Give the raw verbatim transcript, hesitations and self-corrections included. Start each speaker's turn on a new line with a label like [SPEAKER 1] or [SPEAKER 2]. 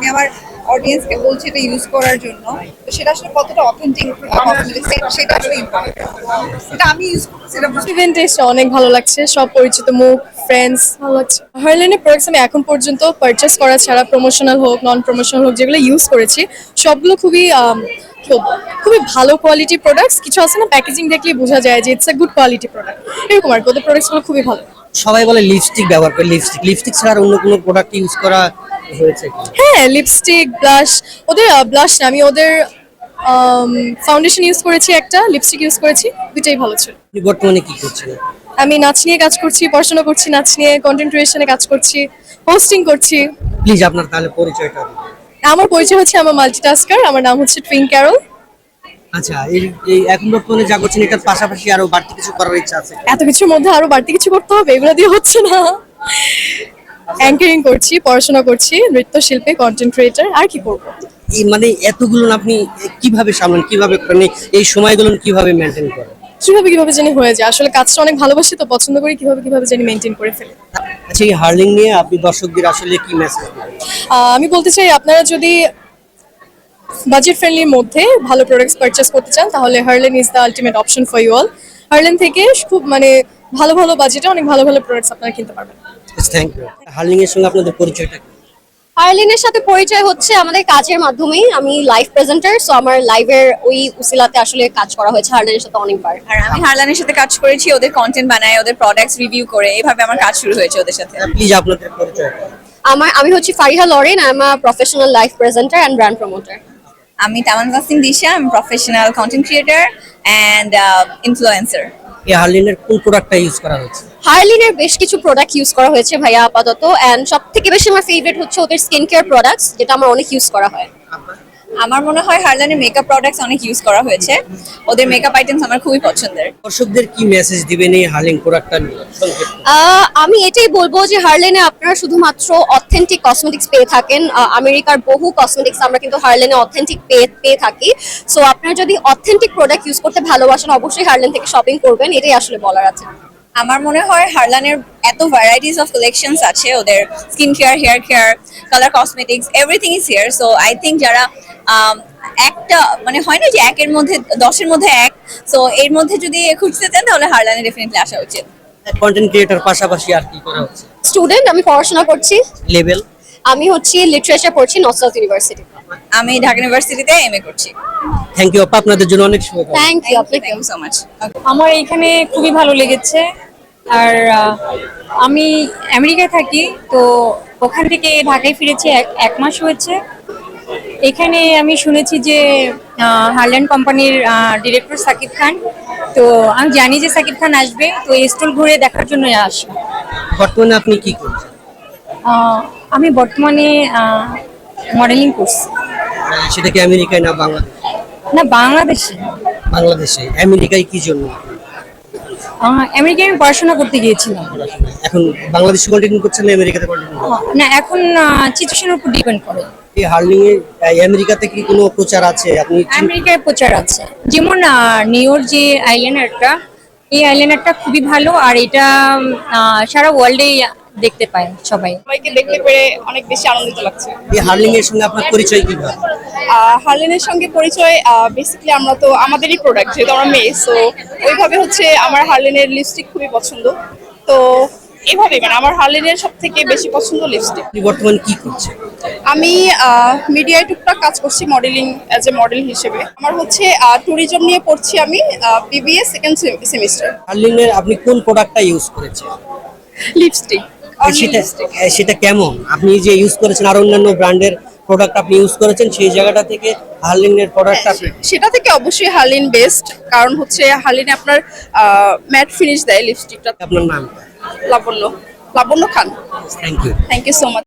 [SPEAKER 1] আমার অডিয়েন্সকে বলছি এটা ইউজ করার জন্য, তো সেটা আসলে কতটা অথেন্টিক সেটা আসলে ইম্পর্টেন্ট। এটা আমি ইউজ করছি, এটা বুঝতে
[SPEAKER 2] ইভেন্টে এসে অনেক ভালো লাগছে, সব পরিচিত মুখ, ফ্রেন্ডস, ভালো লাগছে। হার্লেনের প্রোডাক্টস আমি এখন পর্যন্ত পারচেস করা ছাড়া প্রমোশনাল হোক নন প্রমোশনাল হোক যেগুলো ইউজ করেছি সবগুলো খুবই আম, কি বলবো, খুবই ভালো কোয়ালিটি প্রোডাক্টস। কিছু আছে না প্যাকেজিং দেখলেই বোঝা যায় যে it's a good quality product, এরকম আর কি। ওদের প্রোডাক্টসগুলো খুবই ভালো।
[SPEAKER 3] সবাই বলে লিপস্টিক ব্যবহার করে, লিপস্টিক লিপস্টিক ছাড়া আর অন্য কোনো প্রোডাক্ট ইউজ করা হয়েছে কি?
[SPEAKER 2] হ্যাঁ, লিপস্টিক, ব্লাশ, ওদের ব্লাশ না, আমি ওদের ফাউন্ডেশন ইউজ করেছি, একটা লিপস্টিক ইউজ করেছি, দুইটাই ভালো ছিল।
[SPEAKER 3] আপনি বর্তমানে কি করছেন?
[SPEAKER 2] আমি নাচ নিয়ে কাজ করছি, পড়াশোনা করছি, নাচ নিয়ে কন্টেন্ট ক্রিয়েশনে কাজ করছি, হোস্টিং করছি।
[SPEAKER 3] প্লিজ আপনার তাহলে পরিচয়টা দিন।
[SPEAKER 2] আমার পরিচয় হচ্ছে, আমার মাল্টিটাস্কার, আমার নাম হচ্ছে টুইন ক্যারল।
[SPEAKER 3] আচ্ছা, এই এই এখন বর্তমানে যা করছেন এটার পাশাপাশি আরো বাড়তি কিছু করার ইচ্ছা আছে?
[SPEAKER 2] এত কিছুর মধ্যে আরো বাড়তি কিছু করতে হবে, এগুলো দিয়ে হচ্ছে না। অ্যাঙ্কারিং করছি, পড়াশোনা করছি, নৃত্যশিল্পী, কন্টেন্ট ক্রিয়েটর, আর কি করবো।
[SPEAKER 3] এই মানে এতগুলো আপনি কিভাবে সামলান, কিভাবে মানে এই সময়গুলো কিভাবে মেনটেন করেন?
[SPEAKER 2] কিভাবে কিভাবে জানি হয়ে যায়, আসলে কাজটা অনেক ভালোবাসি তো, পছন্দ করি, কিভাবে কিভাবে জানি মেনটেন করে ফেলি।
[SPEAKER 3] আচ্ছা, এই হার্লিং নিয়ে আপনি দর্শকদের আসলে কি মেসেজ দিবেন?
[SPEAKER 2] আহ, আমি বলতে চাই, আপনারা যদি বাজেট ফ্রেন্ডলির মধ্যে ভালো প্রোডাক্টস পারচেস করতে চান তাহলে Herlan is the ultimate option for you all. Herlan থেকে খুব মানে ভালো ভালো বাজেটে অনেক ভালো ভালো প্রোডাক্টস আপনারা কিনতে পারবেন।
[SPEAKER 3] Thank you. হার্লিং এর সঙ্গে আপনাদের পরিচয়টা কি?
[SPEAKER 4] হার্লিনের সাথে পরিচয় হচ্ছে আমাদের কাজের মাধ্যমেই। আমি লাইভ প্রেজেন্টার, সো আমার লাইভের ওই উসিলাতে আসলে কাজ করা হয়েছে হার্লিনের সাথে অনেকবার।
[SPEAKER 1] আর আমি হারলানের সাথে কাজ করেছি, ওদের কন্টেন্ট বানায়, ওদের প্রোডাক্টস রিভিউ করে, এভাবে আমার কাজ শুরু হয়েছে ওদের সাথে।
[SPEAKER 3] প্লিজ আপনাদের পরিচয়টা।
[SPEAKER 4] আমার আমি হচ্ছে Fariha Lauren, I am a professional live presenter and brand promoter.
[SPEAKER 1] আমি তামান তাসনিম দিশা, আমি professional content creator and influencer.
[SPEAKER 3] এই হার্লিনের কোন প্রোডাক্টটা ইউজ করা হয়েছে?
[SPEAKER 4] হার্লিনের বেশ কিছু প্রোডাক্ট ইউজ করা হয়েছে ভাইয়া আপাতত, অ্যান্ড সব থেকে বেশি আমার ফেভারিট হচ্ছে ওদের স্কিন কেয়ার প্রোডাক্টস, যেটা আমার অনেক ইউজ করা হয়।
[SPEAKER 1] আমার মনে হয় হারলানের মেকআপ প্রোডাক্টস অনেক ইউজ করা হয়েছে, ওদের মেকআপ আইটেমস আমার খুবই পছন্দের।
[SPEAKER 3] দর্শকদের কি মেসেজ দিবেন এই হার্লিং প্রোডাক্টটা নিয়ে সংক্ষেপে?
[SPEAKER 4] আহ, আমি এটাই বলবো যে হার্লেনে আপনারা শুধুমাত্র অথেন্টিক কসমেটিক্স পেয়ে থাকেন। আহ, আমেরিকার বহু কসমেটিক্স আমরা কিন্তু হার্লেনে অথেন্টিক পেয়ে পেয়ে থাকি। সো আপনারা যদি অথেন্টিক প্রোডাক্ট ইউজ করতে ভালোবাসেন অবশ্যই হার্লেন থেকে শপিং করবেন, এটাই আসলে বলার আছে।
[SPEAKER 1] আমার মনে হয় হারলানের এত ভ্যারাইটিস অফ কালেকশনস আছে, ওদের skin care, hair care, colour cosmetics, everything is here. So I think যারা আম, একটা মানে হয় না যে একের মধ্যে দশের মধ্যে এক, সো এর মধ্যে যদি খুঁজতে চান তাহলে হারলানে ডেফিনেটলি আসা উচিত।
[SPEAKER 3] কন্টেন্ট ক্রিয়েটর পাশাপাশি আর কি করা হচ্ছে?
[SPEAKER 4] স্টুডেন্ট, আমি পড়াশোনা করছি।
[SPEAKER 3] লেভেল?
[SPEAKER 4] আমি হচ্ছে লিটারেচার পড়ছি নর্থ সাউথ ইউনিভার্সিটি।
[SPEAKER 1] আমি ঢাকা ইউনিভার্সিটিতে এম এ করছি।
[SPEAKER 3] থ্যাংক ইউ আপা, আপনাদের জন্য অনেক শুভকামনা।
[SPEAKER 4] থ্যাংক ইউ আপনাকে।
[SPEAKER 1] Thank you so much.
[SPEAKER 5] আমার এখানে খুবই ভালো লেগেছে। আর আহ, আমি আমেরিকায় থাকি, তো ওখান থেকে ঢাকায় ফিরেছি, এক- এক মাস হয়েছে। এখানে আমি শুনেছি যে হারল্যান্ড কোম্পানির ডিরেক্টর সাকিব খান, তো আমি জানি যে সাকিব খান আসবে, তো এই স্টল ঘুরে দেখার জন্য আসি।
[SPEAKER 3] বর্তমানে আপনি কি করছেন?
[SPEAKER 5] আহ, আমি বর্তমানে মডেলিং করছি।
[SPEAKER 3] সেটা কি আমেরিকায় না বাংলাদেশ?
[SPEAKER 5] না, বাংলাদেশে।
[SPEAKER 3] বাংলাদেশে। আমেরিকায় কি জন্য?
[SPEAKER 5] আহ, আমেরিকায় আমি পড়াশোনা করতে গিয়েছিলাম।
[SPEAKER 3] এখন বাংলাদেশে কন্টিনিউ করছেন না আমেরিকাতে কন্টিনিউ করছেন?
[SPEAKER 5] না, এখন সিচুয়েশনের উপর ডিপেন্ড করে।
[SPEAKER 3] এই হার্লিং এর আহ, আমেরিকাতে কি কোনো প্রচার আছে? আপনি চিন-
[SPEAKER 5] আমেরিকায় প্রচার আছে, যেমন আহ, নিউর যে আইল্যান্ডারটা, এই আইল্যান্ডারটা খুবই ভালো, আর এটা আহ, সারা ওয়ার্ল্ডে দেখতে পায় সবাই।
[SPEAKER 2] সবাইকে দেখতে পেরে অনেক বেশি আনন্দিত লাগছে।
[SPEAKER 3] এই হার্লিং এর সঙ্গে আপনার পরিচয় কিভাবে?
[SPEAKER 2] হার্লেনের সঙ্গে পরিচয় বেসিক্যালি আমরা তো আমাদেরই প্রোডাক্ট, যেহেতু আমরা মেয়ে, সো ওইভাবে হচ্ছে আমার হার্লেনের লিপস্টিক খুবই পছন্দ। তো এইভাবে মানে আমার হার্লেনের সব থেকে বেশি পছন্দ লিপস্টিক।
[SPEAKER 3] আপনি বর্তমানে কি করছেন?
[SPEAKER 2] আমি মিডিয়ায় টুকটাক কাজ করছি, মডেলিং অ্যাজ এ মডেল হিসেবে। আমার হচ্ছে ট্যুরিজম নিয়ে পড়ছি আমি, বিবিএ সেকেন্ড সেমিস্টার।
[SPEAKER 3] হার্লিং এর আপনি কোন প্রোডাক্টটা ইউজ করেছেন?
[SPEAKER 2] লিপস্টিক।
[SPEAKER 3] সেটা সেটা কেমন? আপনি যে ইউজ করেছেন আর অন্যান্য ব্র্যান্ডের প্রোডাক্ট আপনি ইউজ করেছেন, সেই জায়গাটা থেকে হার্লিং এর প্রোডাক্টটা
[SPEAKER 2] সেটা থেকে অবশ্যই হার্লিন বেস্ট, কারণ হচ্ছে হার্লিনে আপনার ম্যাট ফিনিশ দেয় লিপস্টিকটা।
[SPEAKER 3] আপনার নাম?
[SPEAKER 2] Labonno Labonno Khan.
[SPEAKER 3] Thank you.
[SPEAKER 2] Thank you so much.